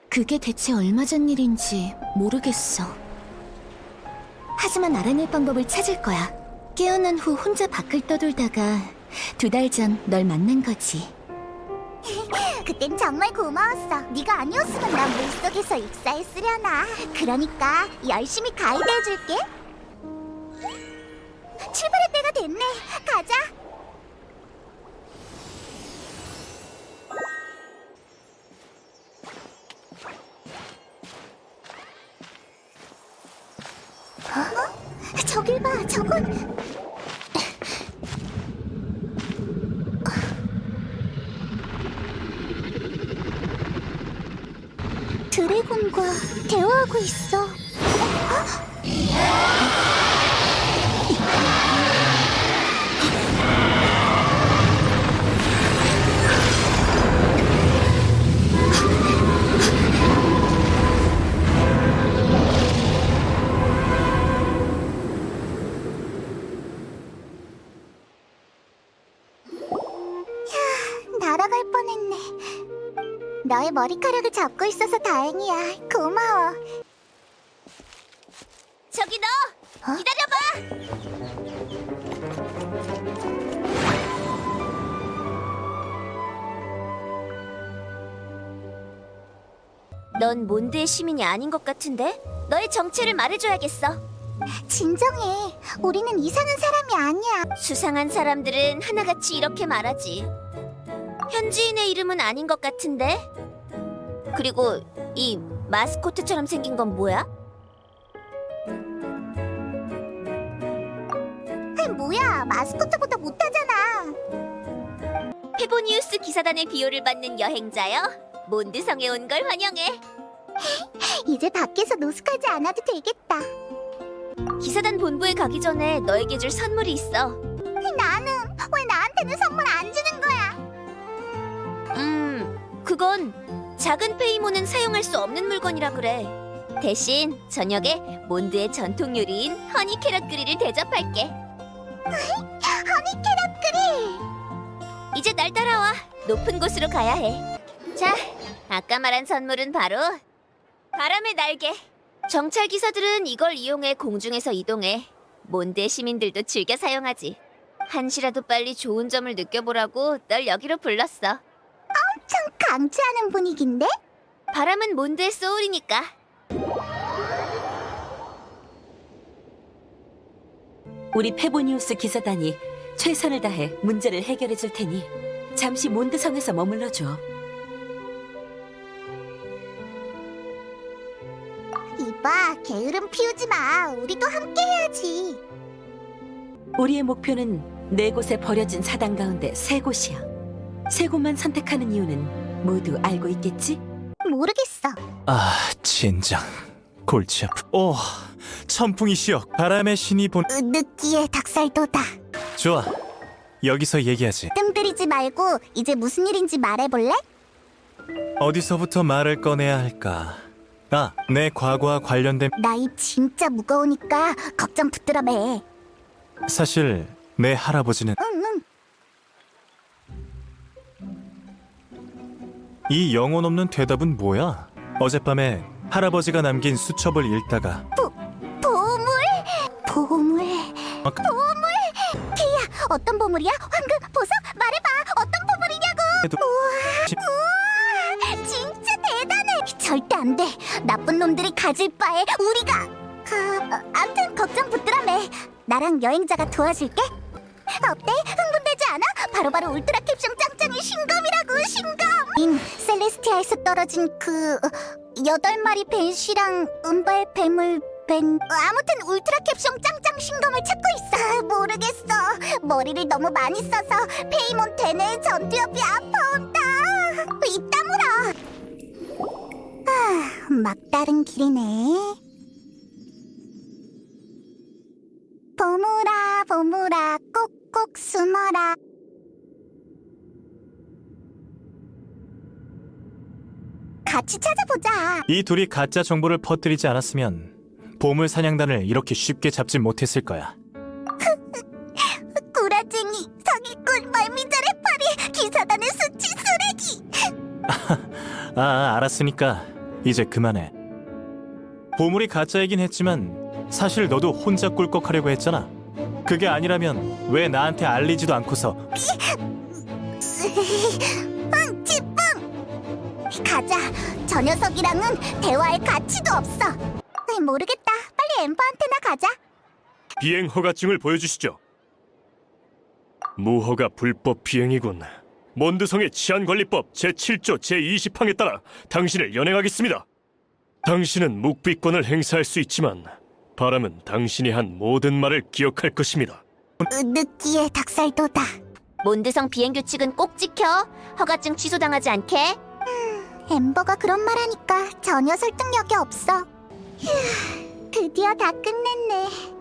그게 대체 얼마 전 일인지 모르겠어. 하지만 알아낼 방법을 찾을 거야. 깨어난 후 혼자 밖을 떠돌다가 2달 전 널 만난 거지. 그땐 정말 고마웠어. 네가 아니었으면 난 물속에서 익사했으려나. 그러니까 열심히 가이드해줄게. 출발할 때가 됐네. 가자. 저길 봐, 저건... 드래곤과 대화하고 있어. 날아갈 뻔했네. 너의 머리카락을 잡고 있어서 다행이야. 고마워. 저기 너! 기다려봐! 넌 몬드의 시민이 아닌 것 같은데? 너의 정체를 말해줘야겠어. 진정해. 우리는 이상한 사람이 아니야. 수상한 사람들은 하나같이 이렇게 말하지. 현지인의 이름은 아닌 것 같은데? 그리고 이 마스코트처럼 생긴 건 뭐야? 뭐야, 마스코트보다 못하잖아. 페보니우스 기사단의 비호를 받는 여행자여. 몬드성에 온 걸 환영해. 이제 밖에서 노숙하지 않아도 되겠다. 기사단 본부에 가기 전에 너에게 줄 선물이 있어. 나는 왜 나한테는 선물 안 주는 거야? 그건 작은 페이몬은 사용할 수 없는 물건이라 그래. 대신 저녁에 몬드의 전통 요리인 허니 캐럿 그릴을 대접할게. 허니 캐럿 그릴! 이제 날 따라와. 높은 곳으로 가야 해. 자, 아까 말한 선물은 바로 바람의 날개. 정찰 기사들은 이걸 이용해 공중에서 이동해. 몬드의 시민들도 즐겨 사용하지. 한시라도 빨리 좋은 점을 느껴보라고 널 여기로 불렀어. 엄청 강조하는 분위기인데? 바람은 몬드의 소울이니까. 우리 페보니우스 기사단이 최선을 다해 문제를 해결해 줄 테니 잠시 몬드성에서 머물러줘. 이봐, 게으름 피우지 마. 우리도 함께 해야지. 우리의 목표는 4곳에 버려진 사당 가운데 3곳이야. 3곳만 선택하는 이유는 모두 알고 있겠지? 모르겠어. 아, 진정. 골치 아프. 오, 천풍이시여. 바람의 신이 본... 느끼해 닭살도다. 좋아. 여기서 얘기하지. 뜸 들이지 말고 이제 무슨 일인지 말해볼래? 어디서부터 말을 꺼내야 할까? 아, 내 과거와 관련된... 나 입 진짜 무거우니까 걱정 붙들어 매. 사실 내 할아버지는 응. 이 영혼 없는 대답은 뭐야? 어젯밤에 할아버지가 남긴 수첩을 읽다가 보물? 보물? 아, 케이야, 어떤 보물이야? 황금, 보석? 말해봐. 어떤 보물이냐고? 해도- 우와, 진짜 대단해. 절대 안 돼. 나쁜 놈들이 가질 바에 우리가... 암튼 걱정 붙들어 매. 나랑 여행자가 도와줄게. 어때? 흥분되지 않아? 바로바로 울트라 캡숑 짱짱이 신검이라고, 신검! 셀레스티아에서 떨어진 그... 8마리 벤시랑 은발 뱀을 벤... 아무튼 울트라 캡숑 짱짱 신검을 찾고 있어. 모르겠어. 머리를 너무 많이 써서 페이몬 대뇌 전두엽이 아파온다. 입 다물어. 막다른 길이네. 보물아, 보물아, 꼭꼭 숨어라. 같이 찾아보자. 이 둘이 가짜 정보를 퍼뜨리지 않았으면 보물 사냥단을 이렇게 쉽게 잡지 못했을 거야. 구라쟁이, 사기꾼, 말미잘의 파리, 기사단의 수치 쓰레기. 알았으니까 이제 그만해. 보물이 가짜이긴 했지만 사실 너도 혼자 꿀꺽하려고 했잖아. 그게 아니라면 왜 나한테 알리지도 않고서. 찌뿡! 가자. 저 녀석이랑은 대화할 가치도 없어. 모르겠다. 빨리 엠버한테나 가자. 비행 허가증을 보여주시죠. 무허가 불법 비행이군. 몬드성의 치안관리법 제7조 제20항에 따라 당신을 연행하겠습니다. 당신은 묵비권을 행사할 수 있지만 바람은 당신이 한 모든 말을 기억할 것입니다. 느끼해 닭살도다. 몬드성 비행 규칙은 꼭 지켜. 허가증 취소당하지 않게. 엠버가 그런 말하니까 전혀 설득력이 없어. 휴, 드디어 다 끝냈네.